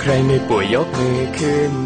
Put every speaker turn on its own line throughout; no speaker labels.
ใครไม่ป่วยยกมือขึ้น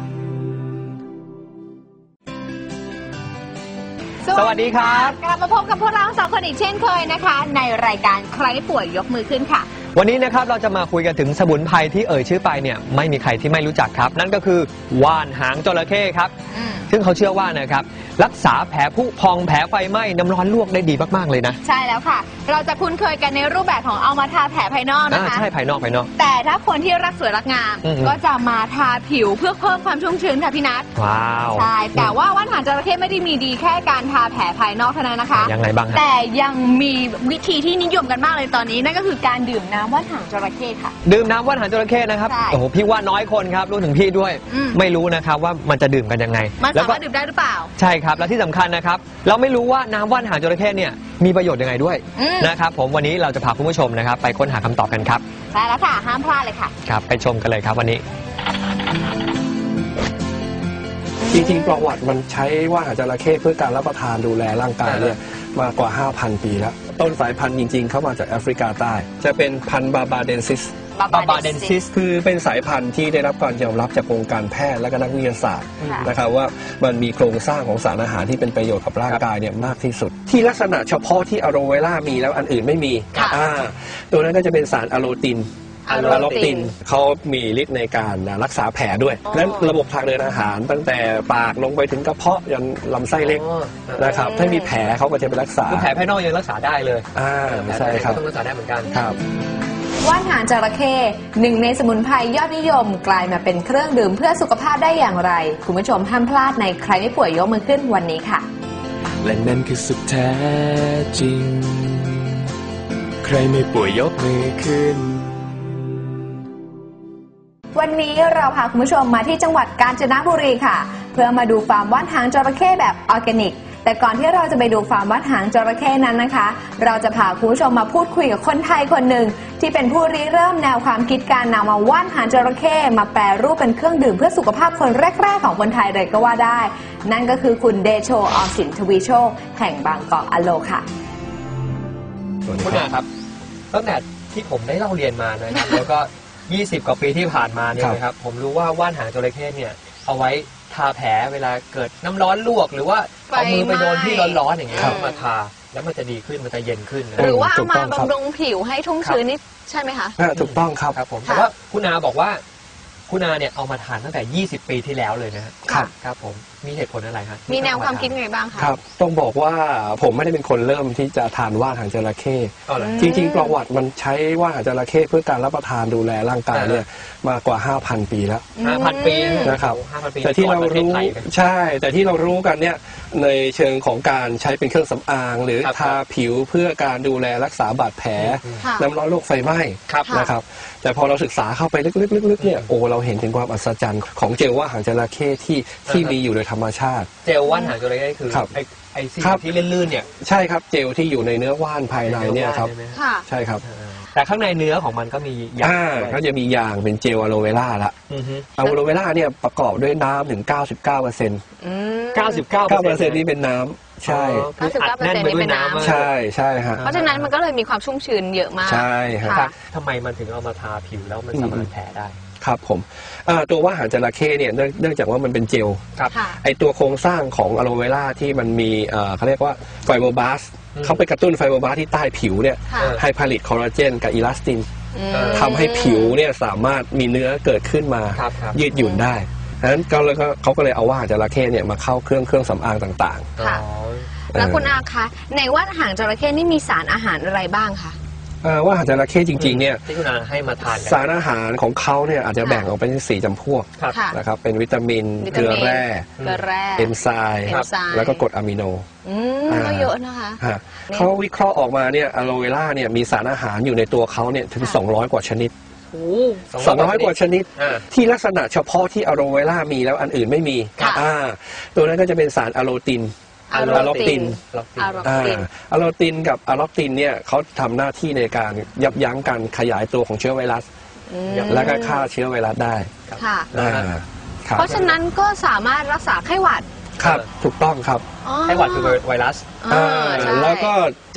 สวัสดีครับ
กลับมาพบกับพวกเราสองคนอีกเช่นเคยนะคะในรายการใครป่วยยกมือขึ้นค่ะ
วันนี้นะครับเราจะมาคุยกันถึงสมุนไพรที่เอ่ยชื่อไปเนี่ยไม่มีใครที่ไม่รู้จักครับนั่นก็คือว่านหางจระเข้ครับซึ่งเขาเชื่อว่านะครับรักษาแผลผุพองแผลไฟไหม้น้ำร้อนลวกได้ดีมากๆเลยนะ
ใช่แล้วค่ะเราจะคุ้นเคยกันในรูปแบบของเอามาทาแผลภายนอกนะคะ
ใช่ภายนอก
แต่ถ้าคนที่รักสวยรักงามก็จะมาทาผิวเพื่อเพิ่มความชุ่มชื้นค่ะพี่นัท
ว้าว
ใช่แต่ว่าว่านหางจระเข้ไม่ได้มีดีแค่การทาแผลภายนอกเท่านั้นนะคะ
ยังไงบ้าง
แต่ยังมีวิธีที่นิยมกันมากเลยตอนนี้นั่นก็คือการดื่มน้ำว่านหางจระเข้ค่ะ
ดื่มน้ำว่านหางจระเข้นะครับโอ้โหพี่ว่าน้อยคนครับรู้ถึงพี่ด้วยไม่รู้นะครับว่ามันจะดื่มกันยังไง
มันสามารถดื่มได้หรือเปล่า
ใช่ครับและที่สำคัญนะครับเราไม่รู้ว่าน้ำว่านหางจระเข้เนี่ยมีประโยชน์ยังไงด้วยนะครับผมวันนี้เราจะพาคุณผู้ชมนะครับไปค้นหาคำตอบกันครับ
ใช่แล้วค่ะห้ามพลาดเลยค่ะ
ครับไปชมกันเลยครับวันนี้
จริงๆประวัติมันใช้ว่านหางจระเข้เพื่อการรับประทานดูแลร่างกายเนี่ยมากว่า 5,000 ปีแล้วต้นสายพันธุ์จริงๆเข้ามาจากแอฟริกาใต้จะเป็นพันธุ์บาบาเดนซิสคือเป็นสายพันธุ์ที่ได้รับการยอมรับจากวงการแพทย์และก็นักวิทยาศาสตร์นะครับว่ามันมีโครงสร้างของสารอาหารที่เป็นประโยชน์กับร่างกายเนี่ยมากที่สุดที่ลักษณะเฉพาะที่อะโลเวล่ามีแล้วอันอื่นไม่มีตัวนั้นก็จะเป็นสารอะโลตินเขามีฤทธิ์ในการรักษาแผลด้วยนั้นระบบทางเดินอาหารตั้งแต่ปากลงไปถึงกระเพาะยันลำไส้เล็กนะครับถ้ามีแผลเขาก็จะไปรักษา
แผลภายนอกยังรักษาได้เลย
ใช่ครับ
ต้องรักษาได้เหมือนกัน
ครับ
ว่านหางจระเข้หนึ่งในสมุนไพรยอดนิยมกลายมาเป็นเครื่องดื่มเพื่อสุขภาพได้อย่างไรคุณผู้ชมห้ามพลาดในใครไม่ป่วยยกมือขึ้นวันนี้ค่ะ
และนั่นคือสุดแท้จริงใครไม่ป่วยยกมือขึ้น
วันนี้เราพาคุณผู้ชมมาที่จังหวัดกาญจนบุรีค่ะเพื่อมาดูฟาร์มว่านหางจระเข้แบบออร์แกนิกแต่ก่อนที่เราจะไปดูฟาร์มว่านหางจระเข้นั้นนะคะเราจะพาคุณผู้ชมมาพูดคุยกับคนไทยคนหนึ่งที่เป็นผู้ริเริ่มแนวความคิดการนำมาว่านหางจระเข้มาแปรรูปเป็นเครื่องดื่มเพื่อสุขภาพคนแรกๆของคนไทยเลยก็ว่าได้นั่นก็คือคุณเดโชออมสินทวีโชคแห่งบางกอกอโลค่ะ
คุณอาครับตั้งแต่ที่ผมได้เล่าเรียนมานะครับแล้วก็20 กว่าปีที่ผ่านมาเนี่ยนะครับผมรู้ว่าว่านหางจระเข้เนี่ยเอาไว้ทาแผลเวลาเกิดน้ำร้อนลวกหรือว่าเอามือไปโดนที่ร้อนๆอย่างเงี้ยมาทาแล้วมันจะดีขึ้นมันจะเย็นขึ้น
หรือว่าเอามาบำรุงผิวให้ชุ่มชื้นนี่ใช่ไหมคะ
ถูกต้องครับ
ผมแต่ว่าคุณอาบอกว่าคุณอาเนี่ยเอามาทานตั้งแต่20 ปีที่แล้วเลยนะครับครับผมมีเหตุผลอะไรครับ
มีแนวความคิดไงบ้างคะ
ครับต้องบอกว่าผมไม่ได้เป็นคนเริ่มที่จะทานว่านหางจระเข้จริงๆประวัติมันใช้ว่านหางจระเข้เพื่อการรับประทานดูแลร่างกายเนี่ยมากว่า 5,000 ปีแล้ว
5,000 ปี
นะครับแต่ที่เรารู้ใช่แต่ที่เรารู้กันเนี่ยในเชิงของการใช้เป็นเครื่องสำอางหรือทาผิวเพื่อการดูแลรักษาบาดแผลน้ำร้อนโรคไฟไหม้นะครับแต่พอเราศึกษาเข้าไปลึกๆเนี่ยโอ้เราเห็นถึงความอัศจรรย์ของเจลว่านหางจระเข้ที่มีอยู่โดยธรรมชาติ
เจลว่านหางจระเข้คือไอ้สิ่งที่ลื่นๆเนี่ย
ใช่ครับเจลที่อยู่ในเนื้อว่านภายในเนี่ยครับใช่ครับ
แต่ข้างในเนื้อของมันก็มียาง
ก็จะมียางเป็นเจลอะโลเวล่าละอะโลเวล่าเนี่ยประกอบด้วยน้ำถึง 99% 99% นี่เป็นน้ำใช่
99%นี่เป็นน้ำ
ใช่ใช่ฮะ
เพราะฉะนั้นมันก็เลยมีความชุ่มชื้นเยอะมาก
ใช่ฮะ
ทำไมมันถึงเอามาทาผิวแล้วมันสามารถแผลได้
ครับผมตัวว่านหางจระเข้เนี่ยเนื่องจากว่ามันเป็นเจลไอตัวโครงสร้างของอะโลเวล่าที่มันมีเขาเรียกว่าไฟโบบลาสเขาไปกระตุ้นไฟโบบลาสที่ใต้ผิวเนี่ยให้ผลิตคอลลาเจนกับอิลาสตินทำให้ผิวเนี่ยสามารถมีเนื้อเกิดขึ้นมายืดหยุ่นได้ดังนั้นเขาก็เลยเอาว่านหางจระเข้เนี่ยมาเข้าเครื่องสำอางต่าง
ๆแล้วคุณอาคะในว่านหางจระเข้นี่มีสารอาหารอะไรบ้างคะ
ว่านหางจระเข้จริงๆเนี่ย
ที่คุณอาให้มาทาน
สารอาหารของเขาเนี่ยอาจจะแบ่งออกเป็น4 จำพวกนะครับเป็นวิตามินเกลือแร่เอนไซม์แล้วก็กรดอะมิโน
ก็เยอะนะคะ
เขาวิเคราะห์ออกมาเนี่ยอะโลเวล่าเนี่ยมีสารอาหารอยู่ในตัวเขาเนี่ยถึง200 กว่าชนิด200 กว่าชนิดที่ลักษณะเฉพาะที่อะโลเวล่ามีแล้วอันอื่นไม่มีตัวนั้นก็จะเป็นสารอะโลตินอะล็อกตินกับอะล็อกตินเนี่ยเขาทำหน้าที่ในการยับยั้งการขยายตัวของเชื้อไวรัสแล้วก็ฆ่าเชื้อไวรัสได้
เพราะฉะนั้นก็สามารถรักษาไข้หวัด
ครับถูกต้องครับ
ไข้หวัดคือไวรัส
แล้วก็จะ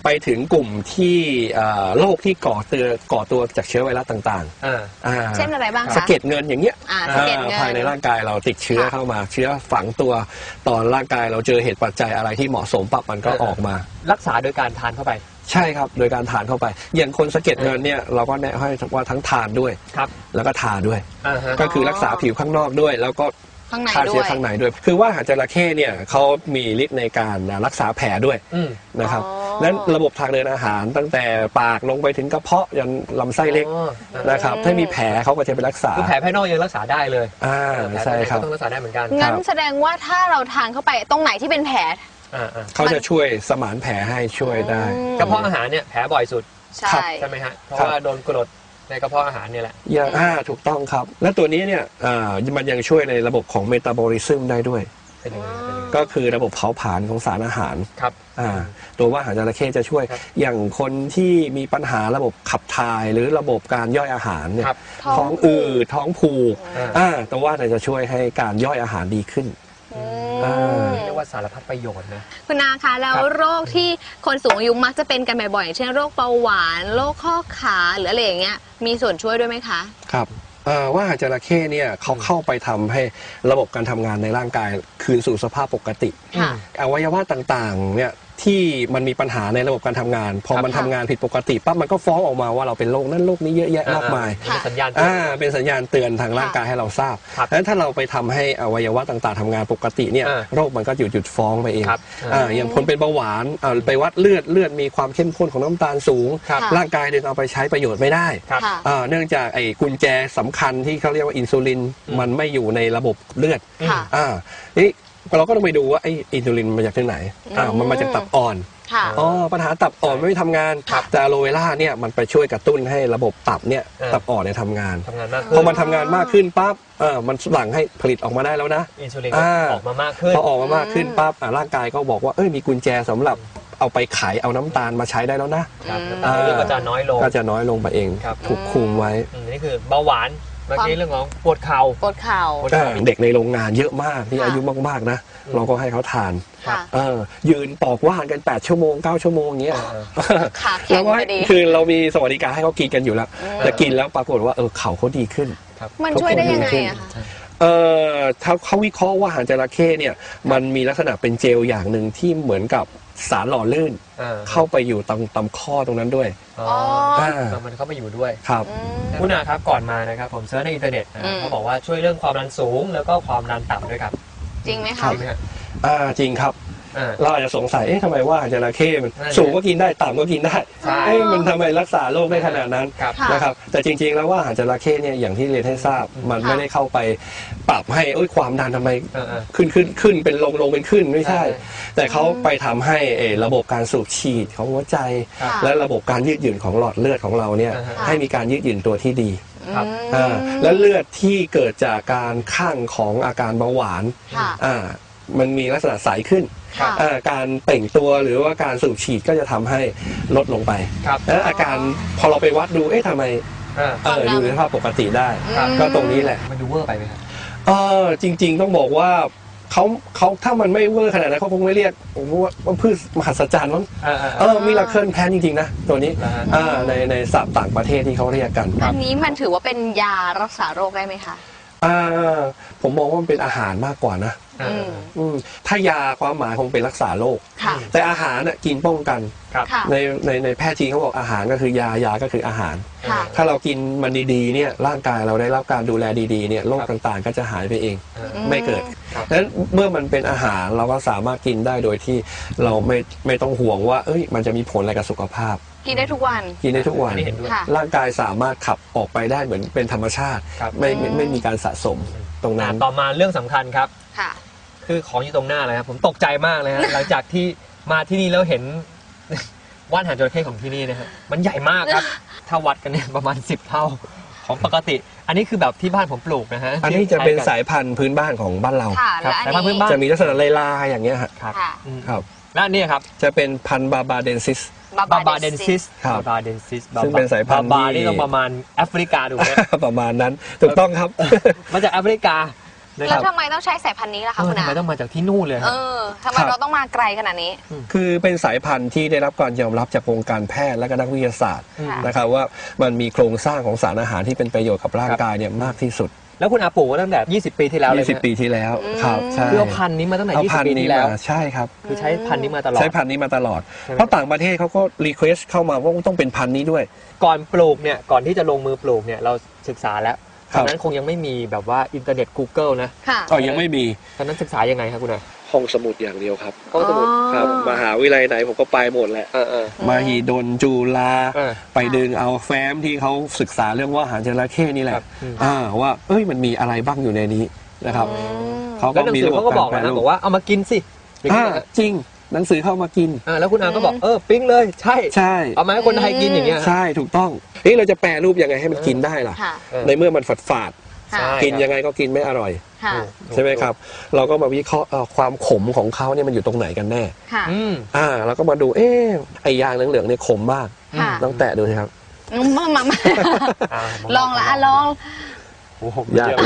ไปถึงกลุ่มที่โรคที่ก่อตัวจากเชื้อไวรัสต่างๆ
เช่นอะไรบ้างคะ
สะเก็ดเงินอย่างเงี้ย
สะเก็ดเงิน
ภายในร่างกายเราติดเชื้อเข้ามาเชื้อฝังตัวตอนร่างกายเราเจอเหตุปัจจัยอะไรที่เหมาะสมปั๊บมันก็ออกมา
รักษาโดยการทานเข้าไป
ใช่ครับโดยการทานเข้าไปอย่างคนสะเก็ดเงินเนี่ยเราก็แนะให้ว่าทั้งทานด้วย
ครับ
แล้วก็ทาด้วยก็คือรักษาผิวข้างนอกด้วยแล้วก็ฆ่าเชื้อข้างในด้วยคือว่าหางจระเข้เนี่ยเขามีฤทธิ์ในการรักษาแผลด้วยนะครับนั้นระบบทางเดินอาหารตั้งแต่ปากลงไปถึงกระเพาะยันลำไส้เล็กนะครับถ้ามีแผลเขาก็จะไปรักษา
คือแผลภายนอกยังรักษาได้เลย
ใช่ครับ
ต้องรักษาได้เหมือนกัน
งั้นแสดงว่าถ้าเราทานเข้าไปตรงไหนที่เป็นแผล
เขาจะช่วยสมานแผลให้ช่วยได้
กระเพาะอาหารเนี่ยแผลบ่อยสุด
ใช่
ไหมฮะเพราะว่าโดนกรดในกระเพาะอาหารเนี่ยแหละ
ถูกต้องครับและตัวนี้เนี่ยมันยังช่วยในระบบของเมตาบอลิซึมได้ด้วยก็คือระบบเผาผลาญของสารอาหาร
ครับ
ตัวว่าหางจระเข้จะช่วยอย่างคนที่มีปัญหาระบบขับถ่ายหรือระบบการย่อยอาหารเนี่ยท้องอืดท้องผูกตัวว่าจะช่วยให้การย่อยอาหารดีขึ้น
เรียกว่าสารพัดประโยชน์นะ
คุณนาคะแล้วโรคที่คนสูงอายุมักจะเป็นกันบ่อยๆเช่นโรคเบาหวานโรคข้อขาหรืออะไรอย่างเงี้ยมีส่วนช่วยด้วยไหมคะ
ครับว่าหางจระเข้เนี่ยเขาเข้าไปทำให้ระบบการทำงานในร่างกายคืนสู่สภาพปกติอวัยวะต่างๆเนี่ยที่มันมีปัญหาในระบบการทำงานพอมันทำงานผิดปกติปั๊บมันก็ฟ้องออกมาว่าเราเป็นโรคนั้นโรคนี้เยอะแยะมากมาย
เป็นสัญญาณ
เป็นสัญญาณเตือนทางร่างกายให้เราทราบดังนั้นถ้าเราไปทำให้อวัยวะต่างๆทำงานปกติเนี่ยโรคมันก็หยุดฟ้องไปเองอย่างคนเป็นเบาหวานไปวัดเลือดมีความเข้มข้นของน้ำตาลสูงร่างกายดึงเอาไปใช้ประโยชน์ไม่ได้เนื่องจากไอ้กุญแจสำคัญที่เขาเรียกว่าอินซูลินมันไม่อยู่ในระบบเลือดนี่เราก็ต้องไปดูว่าไอ้อินซูลินมาจากที่ไหนมันมาจากตับอ่อนปัญหาตับอ่อนไม่ทำงานแต่อะโลเวล่าเนี่ยมันไปช่วยกระตุ้นให้ระบบตับเนี่ยตับอ่อนเนี่ยทำงานพอมันทำงานมากขึ้นปั๊บมันหลั่งให้ผลิตออกมาได้แล้วนะ
อินซูลินออกมามากขึ้น
พอออกมามากขึ้นปั๊บร่างกายก็บอกว่ามีกุญแจสำหรับเอาไปขายเอาน้ำตาลมาใช้ได้แล้วนะ
ก็จะน้อยล
งไปเองถูกคุมไว้
นี่คือเบาหวานเมื่อกี้เรื่องของปวดเข่า
เด็กในโรงงานเยอะมากที่อายุมากๆนะเราก็ให้เขาทานยืนปอกว่านกัน8 ชั่วโมง 9 ชั่วโมงเงี้ย
แล้วก็
คือเรามีสวัสดิการให้เขากินกันอยู่แล้วแต่กินแล้วปรากฏว่าเข่าเขาดีขึ้น
มันช่วยได้ยังไงอะคะ
เขาวิเคราะห์ว่าหางจระเข้เนี่ยมันมีลักษณะเป็นเจลอย่างหนึ่งที่เหมือนกับสารหล่อลื่นเข้าไปอยู่ตามข้อตรงนั้นด้วย
มันเข้าไปอยู่ด้วย
ครับ
คุณอาครับก่อนมานะครับผมเซิร์ชในอินเทอร์เน็ตเขาบอกว่าช่วยเรื่องความดันสูงแล้วก็ความดันต่ำด้วยครับ
จริงไหมครับ
จริงครับเราอาจจะสงสัยทำไมว่าจระเข้มันสูงก็กินได้ต่ำก็กินได้มันทำไมรักษาโรคได้ขนาดนั้นนะครับแต่จริงๆแล้วว่าจระเข้เนี่ยอย่างที่เรียนให้ทราบมันไม่ได้เข้าไปปรับให้ความดันทำไมขึ้นเป็นลงเป็นขึ้นไม่ใช่แต่เขาไปทำให้ระบบการสูบฉีดของหัวใจและระบบการยืดหยุ่นของหลอดเลือดของเราเนี่ยให้มีการยืดหยุ่นตัวที่ดีและเลือดที่เกิดจากการข้างของอาการเบาหวานมันมีลักษณะใสขึ้นการเต่งตัวหรือว่าการสูบฉีดก็จะทำให้ลดลงไปแล้วอาการพอเราไปวัดดูทำไมอยู่ในสภาพปกติได้ก็ตรงนี้แหละ
มันดูเวอร์ไปไหมครับ
จริงๆต้องบอกว่าเขาถ้ามันไม่เวอร์ขนาดนั้นเขาคงไม่เรียกว่าพืชมหัศจรรย์มั้งมีราเคิลแพนจริงๆนะตัวนี้ในศัพท์ต่างประเทศที่เขาเรียกกัน
อันนี้มันถือว่าเป็นยารักษาโรคได้ไหมคะ
ผมมองว่ามันเป็นอาหารมากกว่านะถ้ายาความหมายคงเป็นรักษาโรคแต่อาหารกินป้องกันในแพทย์จีนเขาบอกอาหารก็คือยาก็คืออาหารถ้าเรากินมันดีๆเนี่ยร่างกายเราได้รับการดูแลดีๆเนี่ยโรคต่างๆก็จะหายไปเองไม่เกิดดังนั้นเมื่อมันเป็นอาหารเราก็สามารถกินได้โดยที่เราไม่ต้องห่วงว่ามันจะมีผลอะไรกับสุขภาพ
กินได้ทุกวัน
ร่างกายสามารถขับออกไปได้เหมือนเป็นธรรมชาติไม่มีการสะสมตรงนั้น
ต่อมาเรื่องสำคัญครับคือของอยู่ตรงหน้าเลยครับผมตกใจมากเลยฮะหลังจากที่มาที่นี่แล้วเห็นว่านหางจระเข้ของที่นี่นะครับมันใหญ่มากครับถ้าวัดกันเนี่ยประมาณ10 เท่าของปกติอันนี้คือแบบที่บ้านผมปลูกนะฮะ
อันนี้จะเป็นสายพันธุ์พื้นบ้านของบ้านเรา
สายพันธุ์พื้นบ้าน
จะมีลักษณะลายๆอย่างเงี้ยครับ
และนี่ครับ
จะเป็นพันธุ์บาบาเดนซิสซึ่งเป็นสายพันธุ์
บานี่ต้องประมาณแอฟริกาดูไหม
ประมาณนั้นถูกต้องครับ
มาจากแอฟริกานะค
แล้
รั
ว
บ
ทำไมต้องใช้สายพันธุ์นี้ล่ะคะคุณ
ทำไม
อา
ต้องมาจากที่นู่นเลย
ทำไมเราต้องมาไกลขนาดนี้
คือเป็นสายพันธุ์ที่ได้รับการยอมรับจากวงการแพทย์และก็นักวิทยาศาสตร์
ค่ะ
นะครับว่ามันมีโครงสร้างของสารอาหารที่เป็นประโยชน์กับร่างกายเนี่ยมากที่สุด
แล้วคุณอาปลูกมาตั้งแต่20 ปีที่แล้วเลยไหม
20 ปีที่แล้วครับใช่
คือเอาพันธุ์นี้มาตั้งแต่
เอา
20
พัน
ปี
ธุ์นี้
ที่แล้ว
มาใช่ครับ
คือใช้พันธุ์นี้มาตลอด
ใช้พันธุ์นี้มาตลอด
ใช่ไหม
เพราะต่างประเทศเขาก็รีเควสเข้ามาว่าต้องเป็นพันธุ์นี้ด้วย
ก่อนปลูกเนี่ยก่อนที่จะลงมือปลูกเนี่ยเราศึกษาแล้ว
ครั
ต
บ
อนนั้นคงยังไม่มีแบบว่าอินเทอร์เน็ต Google นะ
ค่ะ
ก็ยังไม่มี
ตอนนั้นศึกษายังไงครับคุณอา
ห้องสมุดอย่างเดียวครับ
ห้องสมุด
ครับมหาวิทยาลัยไหนผมก็ไปหมดแหละ มหิดลจุฬา
เออ
ไปดึงเอาแฟ้มที่เขาศึกษาเรื่องว่าอาหารจระเข้นี่แห
ครั
ละ
บอืม
ว่าเอ้ยมันมีอะไรบ้างอยู่ในนี้นะครับเขา
แล้
ก็
วหนัง
มี
สือ
ระบบ
เขาก็บอก
การแปร
นะ
รู
บ
ป
อกว่าเอามากินสิอย่างนี้นะ
จริงหนังสือเข้ามากิน
แล้วคุณอาก็บอกปิ๊งเลยใช่
ใช่
เอามาให้คนไทยกินอย่างเงี้ย
ใช่ถูกต้องนี่เราจะแปรรูปยังไงให้มันกินได้ล่ะ
ค่ะ
ในเมื่อมันฝาด
ค่ะ
ใช่
ๆกินยังไงก็กินไม่อร่อย
ค่ะ
ใช่ไหมครับ เราก็มาวิเคราะห์ความขมของเขาเนี่ยมันอยู่ตรงไหนกันแน่
ค่ะ
อืม
เราก็มาดูไอ้ยางเหลืองๆเนี่ยขมมาก
ค่ะ
ต้องแตะดูสิครับ
มา ลองละลอง
โอ้โห
ยากเลย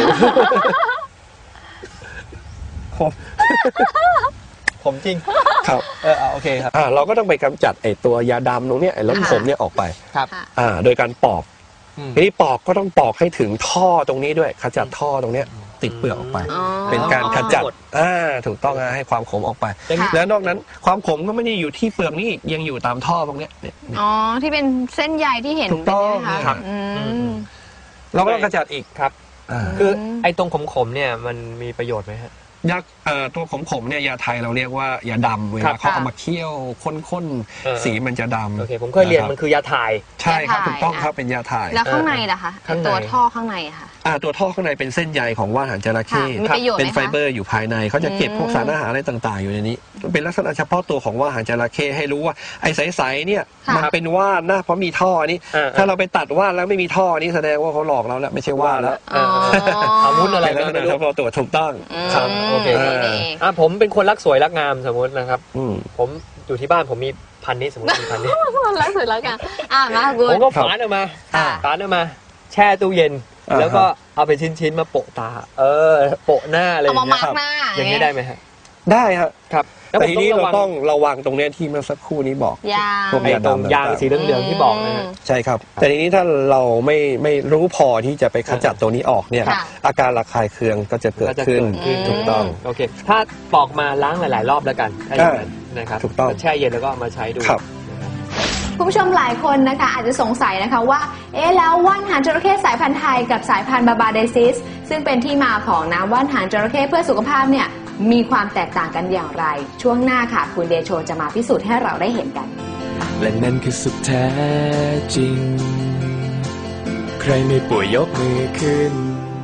ผมจริง
ครับ
โอเคครับ
เราก็ต้องไปกำจัดไอ้ตัวยาดำตรงเนี้ยไอ้รสขมเนี่ยออกไป
ครับ
ค่ะ
โดยการปอก
อืม
ทีนี้ปอกก็ต้องปอกให้ถึงท่อตรงนี้ด้วยขจัดท่อตรงเนี้ยติดเปลือกออกไป
อ๋อ
เป็นการขจัดถูกต้องให้ความขมออกไป
ค่ะ
แล้วนอกนั้นความขมก็ไม่ได้อยู่ที่เปลือกนี่ยังอยู่ตามท่อตรงเนี้ยเนี่ย
อ๋อ ที่เป็นเส้นใยที่เห็น
ถูกต้อง
เป็นไหม
ครั
คะ
บ
อืม
เราก็ต้องขจัดอีก
ครับ
อ่า
คือไอ้ตรงขมๆเนี่ยมันมีประโยชน์ไหมฮะ
ตัวขมๆเนี่ยยาไทยเราเรียกว่ายาดำเว
ครั
ลา
บ
เขาเอามาเคี่ยวข้น
เออ
ๆสีมันจะดำ
โอเคผมเคยเรียนมันคือยาถ่าย
ใช่ครับ
ยาถ่าย
ถูกต้องครับเป็นยาถ่าย
แล้วข้างในล่ะคะ
ข้างใน
ตัวท่อข้างในอะค่ะ
ตัวท่อข้างในเป็นเส้นใยของว่านหางจระเข้
ค่ะมีประโยชน์ไหมคะ
เป็นไฟเบอร์อยู่ภายในเขาจะเก็บพวกสารอาหารอะไรต่างๆ อยู่ในนี้ เป็นลักษณะเฉพาะตัวของว่านหางจระเข้ให้รู้ว่าไอ้ใสๆเนี่ย
ค่ะ
มันเป็นว่านนะเพราะมีท่อนี้ ถ้าเราไปตัดว่านแล้วไม่มีท่อนี้แสดงว่าเขาหลอกเราแล้วไม่ใช่ว่านแล้ว
อ๋อ
อาวุธอะไร
เป็นลักษณะเฉพาะตัวถูกต้อง
ครับ โอเค
นี่เอง
ผมเป็นคนรักสวยรักงามสมมตินะครับ
อืม
ผมอยู่ที่บ้านผมมีพันธุ์นี้สมมติมีพันธุ์นี้
แล้วสุดแล้วกันมาคุ
ผม
ณ
ก็ฝานออกมา
ค่ะ
ฝานออกมา แช่ตู้เย็น แล้วก็เอาเป็นชิ้นๆมาโปะตา โปะหน้าอะไรอ
เอา
ย่าง
มา
เงี้
มาย ร์กหน้า
อย่างนี้ได้ไหมฮะ
ได้ครับ
ครับ
แต่ทีนี้เรา
ระวั
ต้องระวังตรงเนี้ยที่เมื่อสักครู่นี้บอก
ยาง
พวก
ไอ้ตรงยางสีเหลืองๆที่บอกนะฮะ
ใช่ครับ แต่ทีนี้ถ้าเราไม่รู้พอที่จะไปขจัดตัวนี้ออกเนี่ย
ค่ะ
อาการระคายเคืองก็จะเกิดขึ้น ถูกต้อง
โอเค ถ้าปอกมาล้างหลายๆรอบแล้วกันถ้าอย่างนั้นนะครับ
ถูกต้อง
แช่เย็นแล้วก็เอามาใช้ดู
ครับ
นะครับ
คุณผู้ชมหลายคนนะคะอาจจะสงสัยนะคะว่าแล้วว่านหางจระเข้สายพันธุ์ไทยกับสายพันธุ์บาบาเดซิสซึ่งเป็นที่มาของน้ำว่านหางจระเข้เพื่อสุขภาพเนี่ยมีความแตกต่างกันอย่างไร ช่วงหน้าค่ะคุณเดโชจะมาพิสูจน์ให้เราได้เห็นกัน
และนั่นคือสุดแท้จริง ใครไม่ป่วยยกมือขึ้น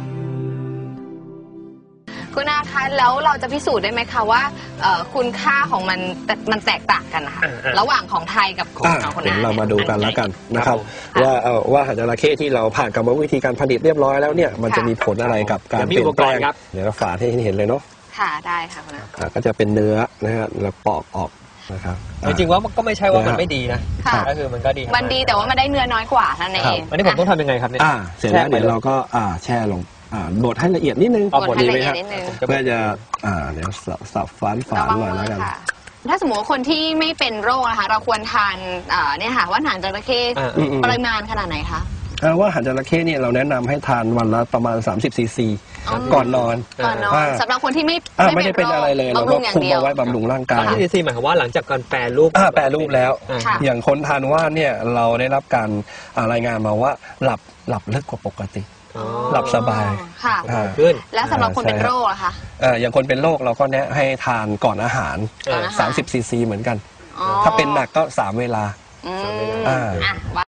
คุณอาคะแล้วเราจะพิสูจน์ได้ไหมคะว่าคุณค่าของมันแตกต่างกันนะคะ ระหว่างของไทยกับของคน
เดี๋ยว
อา
เรามาดูกันแล้วกันนะครับ
ค่ะ
ว่าหางจระเข้ที่เราผ่านกรรมวิธีการผลิตเรียบร้อยแล้วเนี่ยมันจะมีผลอะไรกับการ
เดี๋ยวมี
เปลี่ย
อุป
นแป
ก
ล
รณ์
ง
ครับ
เดี๋ยวเราฝาดให้เห็นเลยเนาะ
ค่ะได้ค่ะคุณอา
ก็จะเป็นเนื้อนะฮะเราปอกออกนะครับ
จริงๆว่ามันก็ไม่ใช่ว่ามันไม่ดีนะ
ค่ะ
ก็คือมันก็ดี
มันดีแต่ว่ามันได้เนื้อน้อยกว่านั่นเอง
อันนี้ผมต้องทำยังไงครับเนี่ย
เสร็จแล้วเดี๋ยวเราก็แช่ลงบดให้ละเอียดนิดนึง
เอา
บดให้ละเอียด
ดี
นิดนึง
เพื่อจะเดี๋ยวสับฝาน
ระวัง
หน่อย
มื
แล้ว
อ
กัน
ค่ะ ถ้าสมมติว่าคนที่ไม่เป็นโรคนะคะเราควรทานเนี่ยค่ะว่านหางจระเข้
อืม
ปริมาณขนาดไหนคะ
ว่าหางจระเข้เนี่ยเราแนะนำให้ทานวันละประมาณ30 ซีซี
อ๋อ
ก่อนนอน
ก่อนนอน
อ่า
สำหรับคนที่ไม่
ไม่ได้เป็นอะไรเลยเรา
บำ
ก็
รุงอย่าง
คุม
เดียว
เอาไว้บำรุงร่างกาย
ที่ดีซีหมายความว่าหลังจากการแปรรูป
แปรรูปแล้ว
ค่ะ
อย่างคนทานว่านเนี่ยเราได้รับการรายงานมาว่าหลับลึกกว่าปกติ
อ๋อ
หลับสบาย
ค่ะ
ขึ้น
แล้วสำหรับคนเป็นโรคล่ะคะ
อย่างคนเป็นโรคเราก็แนะให้ทานก่อนอาหาร
ก่อนอาหาร
30 ซีซีเหมือนกัน
อ๋อ
ถ้าเป็นหนักก็3 เวลา
อืม
อ่า
อ่ะ